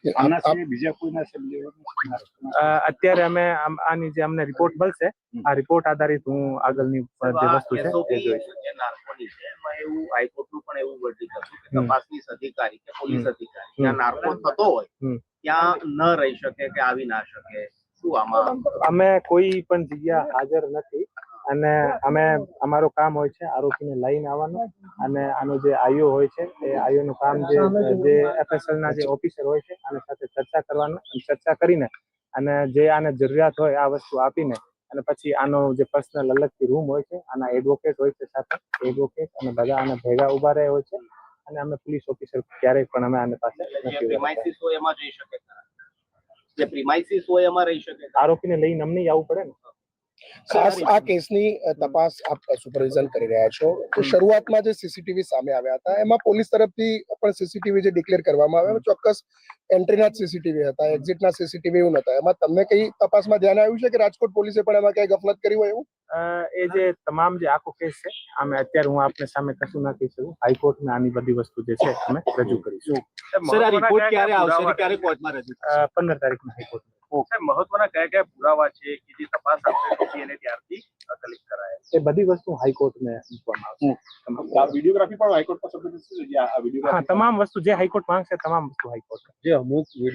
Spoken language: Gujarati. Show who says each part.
Speaker 1: અત્યારે અમે આની જે અમને રિપોર્ટ મળશે આ રિપોર્ટ આધારિત હું આગળની જે વસ્તુ છે એ જોઈશ.
Speaker 2: એવું હાઈકોર્ટનું પણ એવું વર્ડિક્ટ હતું કે તપાસનીશ અધિકારી કે પોલીસ અધિકારી ત્યાં નાર્કો થતો હોય ત્યાં ન રહી શકે કે આવી ના શકે. શું આમાં
Speaker 1: અમે કોઈ પણ જગ્યા હાજર નથી અને અમે અમારું કામ હોય છે આરોપીને લઈને આવવાનું અને આનો જે આઈઓ હોય છે એ આઈઓ નું કામ જે એફએસએલ ના જે ઓફિસર હોય છે આની સાથે ચર્ચા કરીને અને જે આને જરૂરિયાત હોય આ વસ્તુ આપીને અને પછી આનો જે પર્સનલ અલગથી રૂમ હોય છે આના એડવોકેટ હોય છે સાથે એડવોકેટ અને બધા આના ભેગા ઉભા રહે હોય છે અને અમે પોલીસ ઓફિસર ક્યારેય પણ અમે આની પાસે
Speaker 2: પ્રિમાઇસીસ હોય એમાં જઈ શકે જે પ્રિમાઇસીસ હોય એમાં રહી શકે
Speaker 1: આરોપીને લઈને અમને આવવું પડે ને.
Speaker 3: ખાસ આ કેસની તપાસ આપ સુપરવિઝન કરી રહ્યા છો તો શરૂઆતમાં જે સીસીટીવી સામે આવ્યા હતા એમાં પોલીસ તરફથી પણ સીસીટીવી જે ડિક્લેર કરવામાં આવ્યા ચોક્કસ એન્ટ્રીના જ સીસીટીવી હતા એક્ઝિટના સીસીટીવી એવું નતા. એમાં તમને કઈ તપાસમાં ધ્યાન આવ્યું છે કે રાજકોટ પોલીસે પણ એમાં કઈ ગફલત કરી હોય એવું?
Speaker 1: એ જે તમામ જે આખો કેસ છે અમે અત્યારે હું આપને સામે કશું ના કહી શકું. હાઈકોર્ટમાં આની બધી વસ્તુ જે છે અમે રજૂ કરીશું.
Speaker 4: સર આ રિપોર્ટ ક્યારે આવશે ક્યારે કોર્ટમાં રજૂ
Speaker 1: 15 તારીખના હાઈકોર્ટ.
Speaker 2: મહત્વના કયા પુરાવા છે કે જે તપાસ આપણે એને ત્યારથી કલેક્ટ કરાય
Speaker 1: એ બધી વસ્તુ હાઈકોર્ટને મૂકવામાં આવશે.
Speaker 5: વિડીયોગ્રાફી પણ હાઈકોર્ટમાં સબમિટ થશે.
Speaker 1: હા તમામ વસ્તુ જે હાઈકોર્ટ માંગશે તમામ વસ્તુ હાઈકોર્ટ.
Speaker 4: જે અમુક